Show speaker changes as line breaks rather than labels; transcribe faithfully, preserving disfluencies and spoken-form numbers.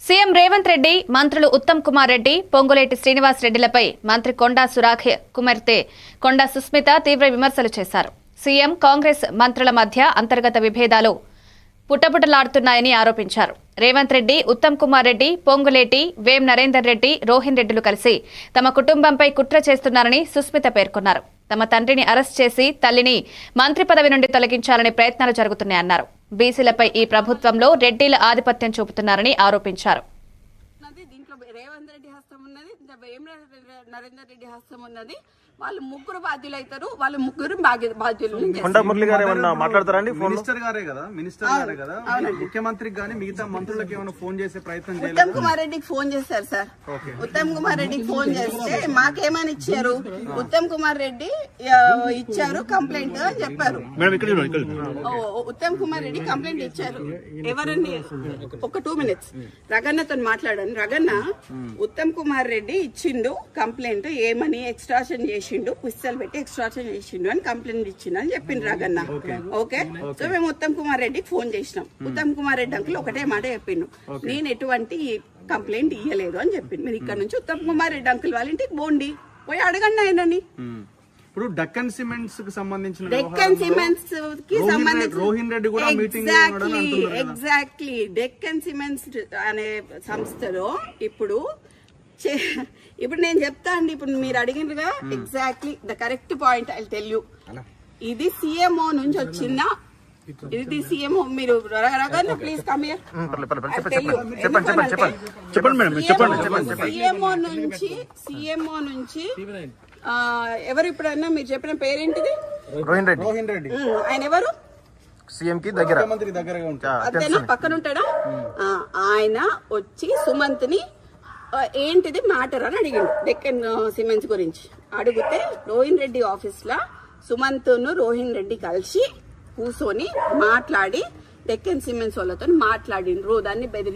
CM Revanth Reddy మంత్రులు ఉత్తమ్ కుమార్ రెడ్డి పొంగులేటి శ్రీనివాస్ రెడ్డిలపై మంత్రి కొండా సురాఖ కుమార్తె కొండా సుస్మిత తీవ్ర విమర్శలు చేశారు. సీఎం కాంగ్రెస్ మంత్రుల మధ్య అంతర్గత విభేదాలు పుట్టపుటలాడుతున్నాయని ఆరోపించారు. రేవంత్ రెడ్డి, ఉత్తమ్ కుమార్ రెడ్డి, పొంగులేటి, వేం నరేందర్ రెడ్డి, రోహిన్ రెడ్డిలు కలిసి తమ కుటుంబంపై కుట్ర చేస్తున్నారని సుస్మిత పేర్కొన్నారు. తమ తండ్రిని అరెస్ట్ చేసి తల్లిని మంత్రి పదవి నుండి తొలగించాలని ప్రయత్నాలు జరుగుతున్నాయన్నారు. బీసీలపై ఈ ప్రభుత్వంలో రెడ్డిల ఆధిపత్యం చూపుతున్నారని ఆరోపించారు.
రేవంత్ రెడ్డి హస్తం ఉన్నది, నరేందర్ రెడ్డి హస్తం ఉన్నది. వాళ్ళు ముగ్గురు బాధ్యులు అవుతారు. వాళ్ళు ముగ్గురు బాధ్యులు.
మురళి గారు ఏమన్నా మాట్లాడతారండి?
మినిస్టర్ గారే కదా మినిస్టర్ గారే కదా ముఖ్యమంత్రికి గానీ మిగతా మంత్రులకు ఏమైనా ఫోన్ చేసే ప్రయత్నం చేయాలి.
ఉత్తమ్ కుమార్ రెడ్డికి ఫోన్ చేశారు సార్. ఉత్తమ్ కుమార్ రెడ్డికి ఫోన్ చేస్తే మాకేమని ఇచ్చారు, ఉత్తమ్ కుమార్ రెడ్డి ఇచ్చారు కంప్లైంట్ అని చెప్పారు. ఉత్తమ్ కుమార్ రెడ్డి కంప్లైంట్ ఇచ్చారు. ఎవరండి? ఒక టూ మినిట్స్ రగన్నతో మాట్లాడాను. రగన్న ఉత్తమ్ కుమార్ రెడ్డి ఇచ్చిండు కంప్లైంట్, ఏమని ఎక్స్ట్రాషన్ చేసి పుస్తకాలు పెట్టి ఎక్స్ట్రాక్షన్ చేసిండు అని కంప్లైంట్ ఇచ్చిండు అని చెప్పింది రగన్న. ఓకే, సో మేము ఉత్తమ్ కుమార్ రెడ్డికి ఫోన్ చేసినాం. ఉత్తమ్ కుమార్ రెడ్డి అంకుల్ ఒకటే మాట చెప్పిండు, నేను ఎటువంటి కంప్లైంట్ ఇయ్యలేదు అని చెప్పింది. మీరు ఇక్కడ నుంచి ఉత్తమ్ కుమార్ రెడ్డి అంకుల్ వాళ్ళ ఇంటికి పోండి, పోయి అడగండి ఆయనని.
ఇప్పుడు డక్కన్ సిమెంట్స్ కి సంబంధించిన
డెక్కన్ సిమెంట్స్ కి సంబంధించి
రోహిన్ రెడ్డి కూడా మీటింగ్
ఎగ్జాక్ట్లీ డెక్కన్ సిమెంట్స్ అనే సంస్థలో ఇప్పుడు ఇప్పుడు నేను చెప్తా అండి. ఇప్పుడు మీరు అడిగినగా exactly the correct point I tell you. ఇది సీఎంఓ నుంచి వచ్చిన ఇది సీఎంఓ. మీరు ప్లీజ్ కమ్ హియర్. సీఎంఓ నుంచి సీఎంఓ నుంచి ఎవరు ఇప్పుడన్నా మీరు చెప్పిన పేరేంటిది?
రోహిన్ రెడ్డి.
రోహిన్ రెడ్డి
ఆయన ఎవరు?
సీఎం కి దగ్గర
మంత్రి దగ్గరగా ఉంటారు.
అదేనా పక్కన ఉంటాడా? ఆయన వచ్చి సుమంత్ ని ఏంటిది మ్యాటర్ అని అడిగిండు డెక్కన్ సిమెంట్స్ గురించి. అడిగితే రోహిన్ రెడ్డి ఆఫీస్ లో సుమంత్ ను రోహిన్ రెడ్డి కలిసి కూర్చొని మాట్లాడి డెక్కన్ సిమెంట్స్ వాళ్ళతో మాట్లాడిండ్రు. దాన్ని బెదిరి